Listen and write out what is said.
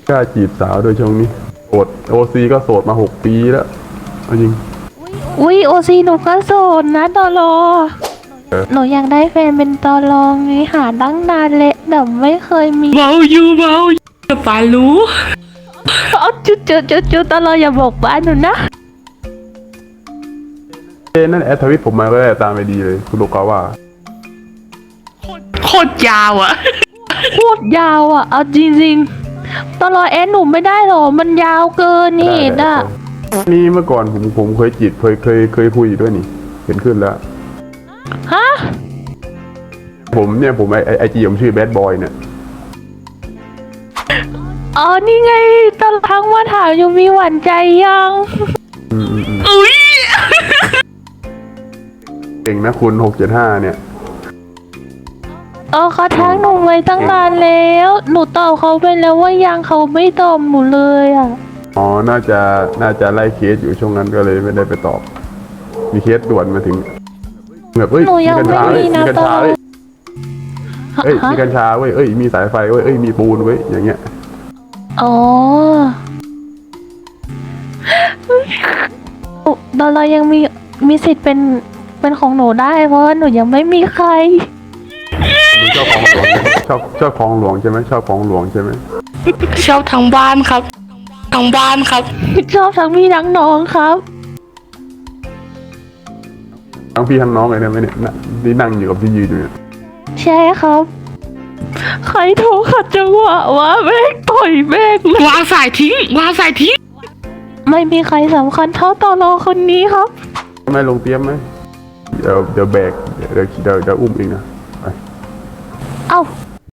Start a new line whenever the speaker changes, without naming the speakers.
กล้าจีบสาวโดยช่วงนี้โสดโอซีก็โสดมา6 ปีแล้วจริง
อุ้ยโอซีหนูก็โสดนะตอรอหนูอยากได้แฟนเป็นตอรองไงหาตั้งนานเลยแต่ไม่เคยมี
เบาอยู่ป่ารู้
เอาจุดตอรออย่าบอกบ้านหนูนะ
นั่นแอดทวิตผมมาก็ได้ตามไปดีเลยคุณโลกาว่า
โคตรยาวอะ
โคตรยาวอ่ะเอาจริงๆตอรอแอดหนูไม่ได้หรอมันยาวเกินนี่ด่ะ
นี่เมื่อก่อนผมเคยจีบเคยคุยด้วยนี่เห็นขึ้นแล้ว
ฮะ
ผมไอจีผมชื่อแบดบอยเนี่ย
อ๋อนี่ไงตอนพังว่าถามอยู่มีหวานใจยัง
อุ้ย
เก่งนะคุณ675เนี่ย
เขาทักหนูไว้ตั้งนานแล้วหนูตอบเขาไปแล้วว่ายังเขาไม่ตอบหนูเลยอ่ะ
อ๋อน่าจะไล่เคสอยู่ช่วงนั้นก็เลยไม่ได้ไปตอบมีเคสด่วนมาถึงแบบ
หนูยังไม่มีนะตอน
มีกัญชาเว้ยมีสายไฟเว้ยมีปูนเว้ยอย่างเงี้ย
อ๋อตอนเรายังมีสิทธิ์เป็นของหนูได้เพราะว่าหนูยังไม่มีใคร
ชอบของหลวงชอบของหลวงใช่ไหมชอบของหลวงใช่ไหม
ชอบทั้งบ้านครับทั้งบ้านครับ
ชอบทั้งพี่ทั้งน้องครับ
ทั้งพี่ทั้งน้องเลยเนี่ยไม่เนี่ยนี่นั่งอยู่กับที่ยืนอยู่เนี่ย
ใช่ครับใครโทรขัดจังหวะวะแม่งต่อยแม่ง
วางสายทิ้ง
ไม่มีใครสำคัญเท่าตอรอคนนี้ครับ
ไม่ลงเตรียมไหมเดี๋ยวแบกเดี๋ยวอุ้มเองนะไป
เอ้า